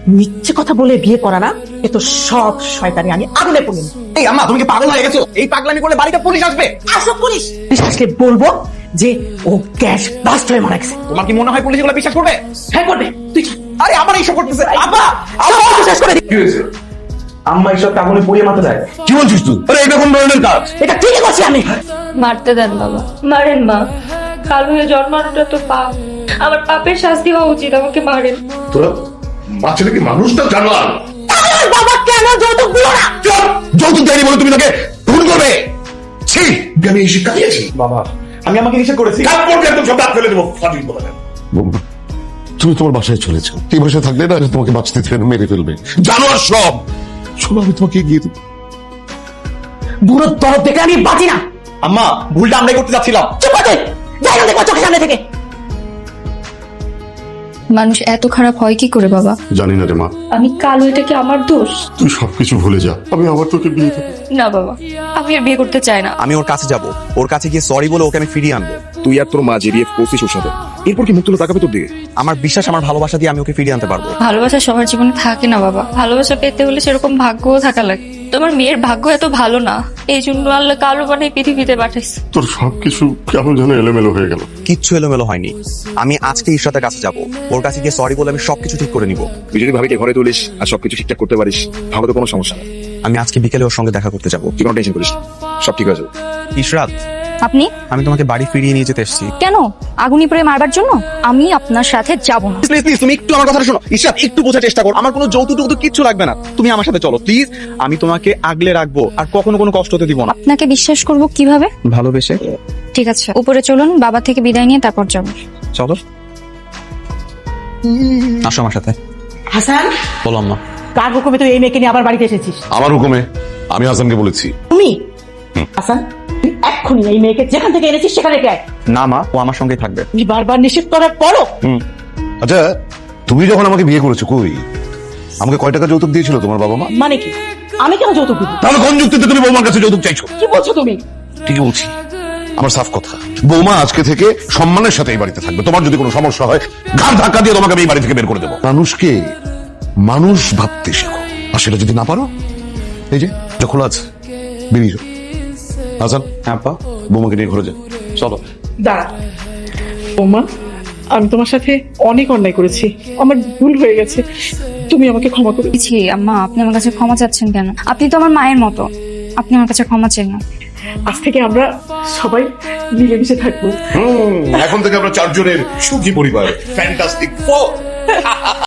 মিথ্যে কথা বলে বিয়ে করা না, এ তো সব শয়তানি আমি আগুনে পড়ি। এই আম্মা, তুমি কি পাগল হয়ে গেছো? এই পাগলামি করলে বাড়িতে পুলিশ আসবে। আসো পুলিশ আসলে বলবো যে ও গ্যাস ব্লাস্ট হয়ে মারা গেছে। তোমার কি মনে হয় পুলিশ এগুলো বিশ্বাস করবে? হ্যাঁ করবে। তুই আরে আবার এইসব করতেছে। আব্বা, সব বিশ্বাস করে কি হয়েছে? আম্মা এইসব আগুনে পুড়িয়ে মারতে যায়? কি বলছিস তুই? আরে এটা কোন ধরনের কাজ? এটা ঠিকই করছি আমি। মারতে দেন বাবা, মারেন মা। কালো হয়ে জন্মানোটা তো পাপ, আমার পাপের শাস্তি হওয়া উচিত, আমাকে মারেন। তোরা মা ছেলে কি মানুষটা জানোয়ার? বাবা কেন যৌতুক দিল না? যৌতুক দেয়নি বলে তুমি তাকে খুন করবে? ছি, আমি এই শিক্ষা দিয়েছি। বাবা, আমি আমাকে নিষেধ করেছি। কাপড়কে একদম সব দাঁত ফেলে দেবো, ফাটিয়ে দেবো। বৌমা, তুমি তোমার বাসায় চলেছো। এই বাসায় থাকলে না তোমাকে বাঁচতে দেবে না, মেরে ফেলবে। জানোয়ার সব। শোনো, আমি তোমাকে এগিয়ে দেবো। বুড়োর তরফ থেকে আমি বাঁচি না। আম্মা, ভুলটা আমরাই করতে যাচ্ছিলাম। চুপ করতে যাই না, দেখো চোখের সামনে থেকে। মানুষ এত খারাপ হয় কি করে বাবা? জানি না রে মা, আমি কালো, এটা কি আমার দোষ? তুই সবকিছু ভুলে যা, আমি আবার তোকে বিয়ে দেবো। না বাবা, আমি আর বিয়ে করতে চাই না। আমি ওর কাছে যাব, ওর কাছে গিয়ে সরি বলে ওকে আমি ফিরিয়ে আনবো। তুই আর তোর মা যে বিয়ে করছিস ওর সাথে, এরপর কি মুখ তুলে তাকাবে তোর দিকে? আমার বিশ্বাস, আমার ভালোবাসা দিয়ে আমি ওকে ফিরিয়ে আনতে পারবো। ভালোবাসা সবার জীবনে থাকে না বাবা, ভালোবাসা পেতে হলে সেরকম ভাগ্যও থাকা লাগে। তোমার মেয়ের ভাগ্য এত ভালো না, এই জন্য আল্লাহ কালো বানাই পৃথিবীতে পাঠাইছে। তোর সবকিছু কেমন যেন এলোমেলো হয়ে গেল। কিচ্ছু এলোমেলো হয়নি। আমি আজকে ঈশ্বরের কাছে যাব, ওর কাছে গিয়ে সরি বলে আমি সবকিছু ঠিক করে নিব। তুই যদি ভাবিকে ঘরে তুলিস আর সবকিছু ঠিকঠাক করতে পারিস, তাহলে তো কোনো সমস্যা নেই। আমি আজকে বিকেলে ওর সঙ্গে দেখা করতে যাব। তুই কোনো টেনশন করিস না, সব ঠিক হয়ে যাবে। ইশরাত, আপনি আমি তোমাকে বাড়ি ফিরিয়ে নিয়ে যেতে এসেছি। কেন? আগুনি পরে মারবার জন্য? আমি আপনার সাথে যাব না। প্লিজ প্লিজ, তুমি একটু আমার কথাটা শোনো। ইশরাত, একটু বোঝার চেষ্টা করো। আমার কোনো যৌতুক টৌতুক কিচ্ছু লাগবে না, তুমি আমার সাথে চলো প্লিজ। আমি তোমাকে আগলে রাখবো আর কখনো কোনো কষ্ট হতে দিব না। আপনাকে বিশ্বাস করব কিভাবে? ভালোবেসে। ঠিক আছে, উপরে চলুন, বাবা থেকে বিদায় নিয়ে তারপর যাব। চলো, আসো আমার সাথে। হাসান, বলো আম্মা। কার হুকুমে তুই এই মেয়েকে নিয়ে আবার বাড়িতে এসেছিস? আমার হুকুমে। আমি হাসানকে বলেছি। তুমি হাসান, তুই এক্ষুনি এই মেয়েকে যেখান থেকে এনেছিস সেখানে রেখে আয়। না মা, ও আমার সঙ্গেই থাকবে। তুমি বারবার নিষেধ করার পরও আচ্ছা, তুমি যখন আমাকে বিয়ে করেছো, কই আমাকে কয় টাকা যৌতুক দিয়েছিল তোমার বাবা মা? মানে কি? আমি কেন যৌতুক দিব? তাহলে কোন যুক্তিতে তুমি বৌমার কাছে যৌতুক চাইছো? কি বলছো তুমি? ঠিকই বলছি, আমার সাফ কথা। বৌমা আজকে থেকে সম্মানের সাথে এই বাড়িতে থাকবে। তোমার যদি কোনো সমস্যা হয়, ঘাড় ধাক্কা দিয়ে তোমাকে আমি এই বাড়ি থেকে বের করে দেবো। মানুষকে মানুষ ভাবতে শেখো, আর সেটা যদি না পারো, এই যে এটা খোলা আছে, বেরিয়ে যাও। হাসান, আব্বা, বৌমাকে নিয়ে ঘরে যা। চলো। দাঁড়া বৌমা, আমি তোমার সাথে অনেক অন্যায় করেছি, আমার ভুল হয়ে গেছে, তুমি আমাকে ক্ষমা করে দিও। ছি আম্মা, আপনি আমার কাছে ক্ষমা চাচ্ছেন কেন? আপনি তো আমার মায়ের মতো, আপনি আমার কাছে ক্ষমা চেন না। আজ থেকে আমরা সবাই মিলেমিশে থাকবো। এখন থেকে আমরা চারজনের সুখী পরিবার, ফ্যান্টাস্টিক ফোর।